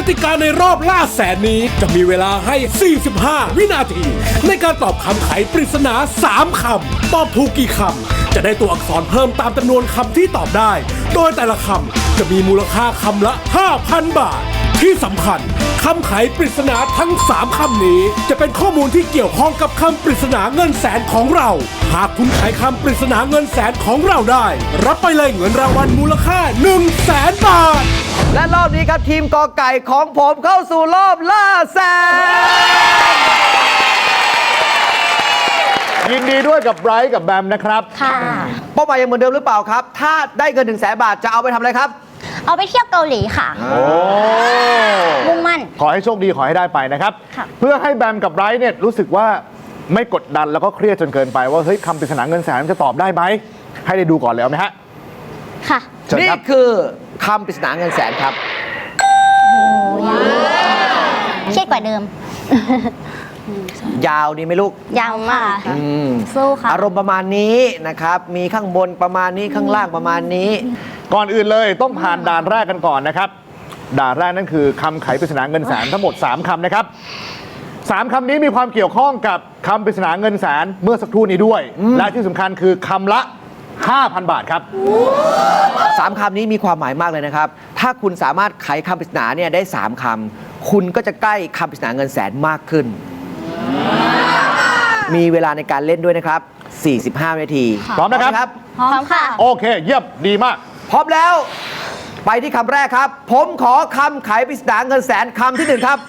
ติกาในรอบล่าแสนนี้จะมีเวลาให้ 45 วินาที ในการตอบคำไขปริศนา 3 คำ ตอบถูกกี่คำ จะได้ตัวอักษรเพิ่มตามจำนวนคำที่ตอบได้ โดยแต่ละคำจะมีมูลค่าคำละ 5,000 บาท ที่สำคัญคำไขปริศนาทั้ง 3 คำนี้จะเป็นข้อมูลที่เกี่ยวข้องกับคำปริศนาเงินแสนของเรา หากคุณไขคำปริศนาเงินแสนของเราได้ รับไปเลยเงินรางวัลมูลค่า 100,000 บาทและรอบนี้ครับทีมกอไก่ของผมเข้าสู่รอบล่าแสนยินดีด้วยกับไบรท์กับแบมนะครับค่ะเป้าหมายยังเหมือนเดิมหรือเปล่าครับ ถ้าได้เงิน100,000 บาทจะเอาไปทำอะไรครับเอาไปเที่ยวเกาหลีค่ะโอ้มุ่งมั่นขอให้โชคดีขอให้ได้ไปนะครับค่ะเพื่อให้แบมกับไบรท์เนี่ยรู้สึกว่าไม่กดดันแล้วก็เครียดจนเกินไปว่าเฮ้ยคำปริศนาเงินแสนมันจะตอบได้ไหมให้ได้ดูก่อนเลยเอาไหมฮะค่ะเชิญนี่ครับคือคำปริศนาเงินแสนครับเครียดกว่าเดิมยาวดีไหมลูกยาวมากอืมสู้ค่ะอารมณ์ประมาณนี้นะครับ มีข้างบนประมาณนี้ข้างล่างประมาณนี้ก่อนอื่นเลยต้องผ่านด่านแรกกันก่อนนะครับ ด่านแรกนั่นคือคำไขปริศนาเงินแสนทั้งหมด 3 คำนะครับ 3 คำนี้มีความเกี่ยวข้องกับคำปริศนาเงินแสนเมื่อสักครู่นี้ด้วย และที่สำคัญคือคำละ 5,000 บาทครับ 3 คำนี้มีความหมายมากเลยนะครับ ถ้าคุณสามารถไขคำปริศนาเนี่ยได้ 3 คำ คุณก็จะใกล้คำปริศนาเงินแสนมากขึ้น มีเวลาในการเล่นด้วยนะครับ 45 นาทีพร้อมนะครับพร้อมค่ะโอเค เยี่ยมดีมากพร้อมแล้ว ไปที่คำแรกครับ ผมขอคำไขปริศนาเงินแสนคำที่ 1 ครับ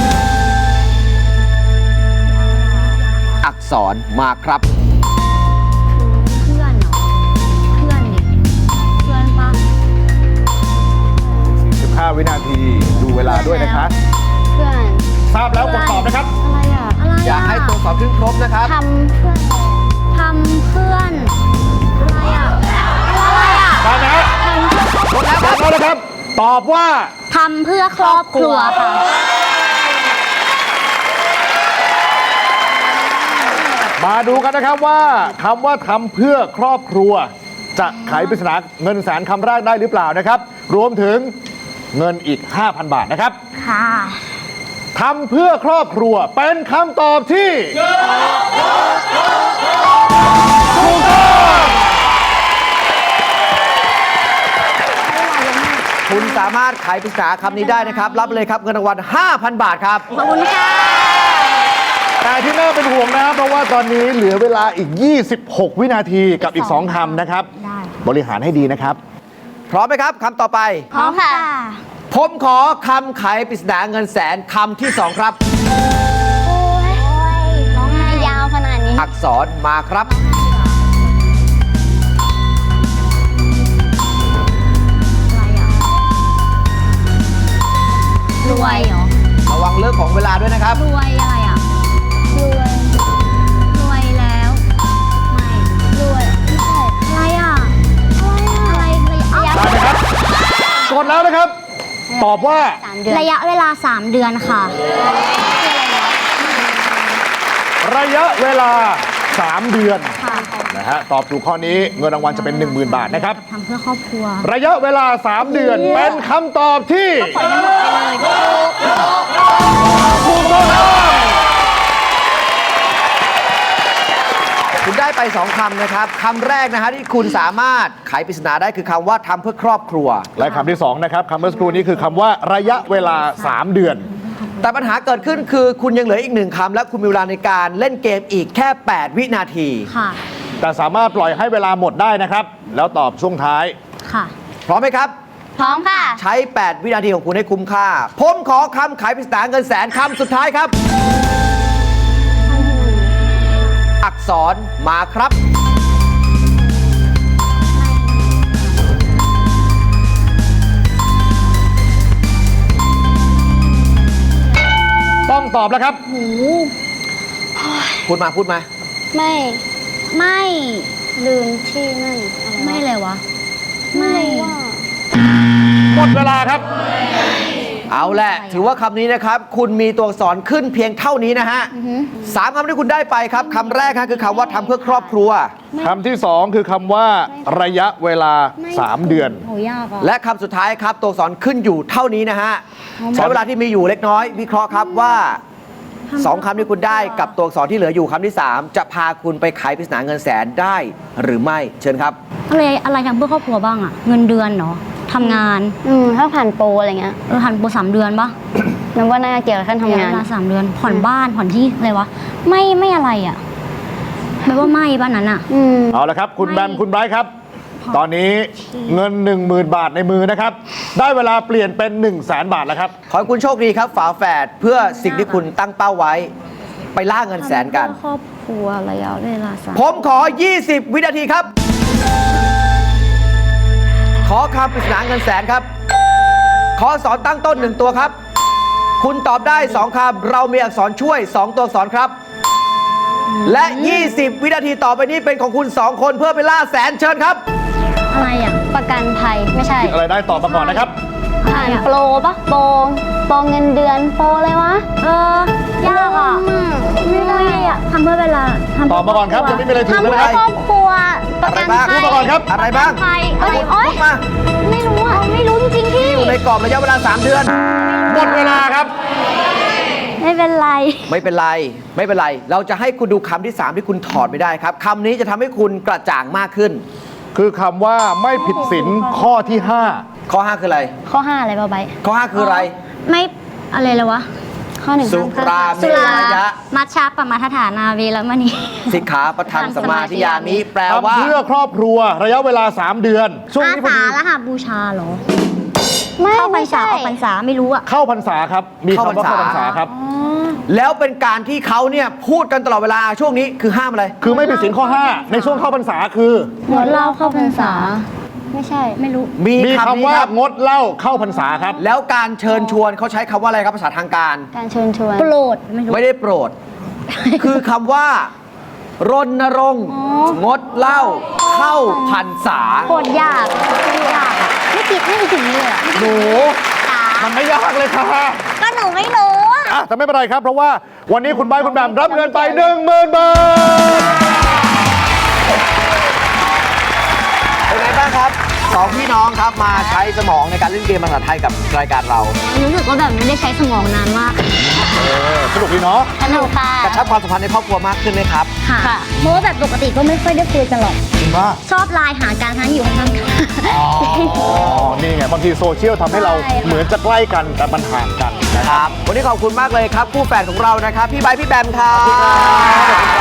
อักษรมาครับเพื่อนเหรอ เพื่อนดิ เพื่อนปะ 15 วินาทีดูเวลาด้วยนะคะเพื่อนทราบแล้วกดตอบนะครับอะไรอ่ะ อะไรอ่ะอยากให้ตัวสอบขึ้นครบนะครับทำเพื่อน ทำเพื่อน อะไรอ่ะ อะไรอ่ะได้ไหมครับหมดแล้วครับ ตอบว่าทำเพื่อครอบครัวค่ะมาดูกันนะครับว่าคำว่าทำเพื่อครอบครัว จะไขปริศนาเงินแสนคำแรกได้หรือเปล่านะครับ รวมถึงเงินอีก 5,000 บาทนะครับค่ะทำเพื่อครอบครัวเป็นคำตอบที่ถูกต้องคุณสามารถไขปริศนาคำนี้ได้นะครับ รับเลยครับเงินรางวัล 5,000 บาทครับขอบคุณค่ะแต่ที่น่าเป็นห่วงนะครับเพราะว่าตอนนี้เหลือเวลาอีก 26 วินาทีกับอีก 2 คำนะครับได้บริหารให้ดีนะครับพร้อมไหมครับคำต่อไปพร้อมค่ะผมขอคำไขปริศนาเงินแสนคำที่ 2 ครับโอ้ยร้องไห้ยาวขนาดนี้อักษรมาครับอะไรอ่ะ รวยเหรอระวังเรื่องของเวลาด้วยนะครับรวยอะไรอ่ะ รวย รวยแล้ว ไม่ รวย ไม่ใช่ อะไรอ่ะ อะไรอ่ะได้ไหมครับ กดแล้วนะครับ ตอบว่าระยะเวลา 3 เดือนค่ะระยะเวลา 3 เดือนค่ะนะฮะตอบถูกข้อนี้เงินรางวัลจะเป็น 10,000 บาทนะครับทำเพื่อครอบครัวระยะเวลา 3 เดือนเป็นคำตอบที่ถูกต้องครับคุณได้ไป 2 คำนะครับคำแรกนะฮะที่คุณสามารถไขปริศนาได้คือคำว่าทำเพื่อครอบครัวและคำที่ 2 นะครับคำเมื่อสักครู่นี้คือคำว่าระยะเวลา 3 เดือนแต่ปัญหาเกิดขึ้นคือคุณยังเหลืออีก 1 คำและคุณมีเวลาในการเล่นเกมอีกแค่ 8 วินาทีค่ะแต่สามารถปล่อยให้เวลาหมดได้นะครับ แล้วตอบช่วงท้ายค่ะพร้อมไหมครับพร้อมค่ะใช้ 8 วินาทีของคุณให้คุ้มค่า ผมขอคำไขปริศนาเงินแสนคำสุดท้ายครับ อักษรมาครับต้องตอบแล้วครับพูดมาพูดมาไม่ ไม่ ลืมที่นั่นไม่เลยวะ ไม่หมดเวลาครับเอาแหละถือว่าคำนี้นะครับ คุณมีตัวอักษรขึ้นเพียงเท่านี้นะฮะสามคำที่คุณได้ไปครับคำแรกครับคือคำว่าทำเพื่อครอบครัวคำที่ 2 คือคำว่าระยะเวลา 3 เดือนโหยากอ่ะและคำสุดท้ายครับตัวอักษรขึ้นอยู่เท่านี้นะฮะใช้เวลาที่มีอยู่เล็กน้อยวิเคราะห์ครับว่าสองคำที่คุณได้กับตัวอักษรที่เหลืออยู่คำที่ 3 จะพาคุณไปไขปริศนาเงินแสนได้หรือไม่เชิญครับอะไรทำเพื่อครอบครัวบ้างอะเงินเดือนเนาะทำงานถ้าผ่านโปรอะไรเงี้ยหันโปร3 เดือนปะนับว่าน่าจะเกี่ยวกับการทำงานเวลา3 เดือน ผ่อนบ้านผ่อนที่อะไรวะไม่อะไรอะแปลว่าไม่บ้านนั้นอะเอาละครับ คุณแบมคุณไบรท์ครับ ตอนนี้เงิน 10,000 บาทในมือนะครับ ได้เวลาเปลี่ยนเป็น 100,000 บาทแล้วครับขอให้คุณโชคดีครับฝาแฝดเพื่อสิ่งที่คุณตั้งเป้าไว้ ไปล่าเงินแสนกันทำเพื่อครอบครัวระยะเวลา3 ผมขอ 20 วินาทีครับ ขอคำปริศนาเงินแสนครับ ขออักษรตั้งต้น 1 ตัวครับ คุณตอบได้ 2 คำ เรามีอักษรช่วย 2 ตัวอักษรครับ และ 20 วินาทีต่อไปนี้เป็นของคุณ 2 คนเพื่อไปล่าแสนเชิญครับอะไรอะประกันภัยไม่ใช่อะไรได้ตอบมาก่อนนะครับผ่านโปรปะโปรเงินเดือนโปรอะไรวะยากอะไม่ได้อะทำเพื่อเวลาทำตอบมาก่อนครับยังไม่มีอะไรถูกเลยนะครับครอบครัวประกันอะไรบ้างภัยพูดมาก่อนครับอะไรบ้างภัยอะไรพูโอ๊ยดมาไม่รู้อ่ะไม่รู้จริงๆพี่อยู่ในกรอบระยะเวลา 3 เดือนหมดเวลาครับไม่เป็นไรไม่เป็นไร ไม่เป็นไร เราจะให้คุณดูคำที่ 3 ที่คุณถอดไม่ได้ครับคำนี้จะทำให้คุณกระจ่างมากขึ้นคือคำว่าไม่ผิดศีลข้อที่ข้อ 5 คืออะไรข้อ 5 อะไรบ้าใบข้อ 5 คืออะไรไม่อะไรเลยวะข้อหนึ่งสุราเมสุรรายะมัชฌะปมาทฐานาเวรมณีสิกขาปะทังสมาธิยามิแปล 5 ว่าทำเพื่อครอบครัวระยะเวลา 3 เดือน ช่วงอานี้พอสาดีละหาบูชาเหรอไม่เข้าพรไม่รษาใช่ออกพรรษาไม่รู้อะเข้าพรรษาครับ มีคำว่าเข้าเข้าพพรรรรษาษาครับแล้วเป็นการที่เขาเนี่ยพูดกันตลอดเวลาช่วงนี้คือห้ามอะไรคือไม่ผิดศีลข้อ 5 ในช่วงเข้าพรรษาคืองดเหล้าเข้าพรรษาไม่ใช่ไม่รู้มีมีคำคำนี้ว่าครับงดเหล้าเข้าพรรษาครับแล้วการเชิญชวนเขาใช้คำว่าอะไรครับภาษาทางการการเชิญชวนโปรดไม่รู้ไม่ได้โปรด คือคำว่ารณรงค์งดเหล้าเข้าพรรษาโคตรยากยากอะไม่คิดไม่ถึงเลยอะหนูมันไม่ยากเลยค่ะก็หนูไม่รู้อะอ่ะแต่ไม่เป็นไรครับ เพราะว่าวันนี้คุณไบร์ทคุณแบมรับเงินไป 10,000 บาทเป็นไงบ้างครับสองพี่น้องครับมาใช้สมองในการเล่นเกมภาษาไทยกับรายการเรารู้สึกว่าแบบไม่ได้ใช้สมองนานมากสนุกดีเนาะสนุกค่ะกระชับความสัมพันธ์ในครอบครัวมากขึ้นไหมครับค่ะเพราะว่าแบบปกติก็ไม่ค่อยได้คุยกันหรอกจริงป่ะชอบไลน์หาการทั้งอยู่ข้างๆกันอ๋อ นี่ไง บางทีโซเชียลทำให้เราใช่ค่ะเหมือนจะใกล้กันแต่มันห่างกันนะคครับรับ วันนี้ขอบคุณมากเลยครับคู่แฝดของเรานะครับ พี่ไบร์ทพี่แบมครับขอบคุณครับ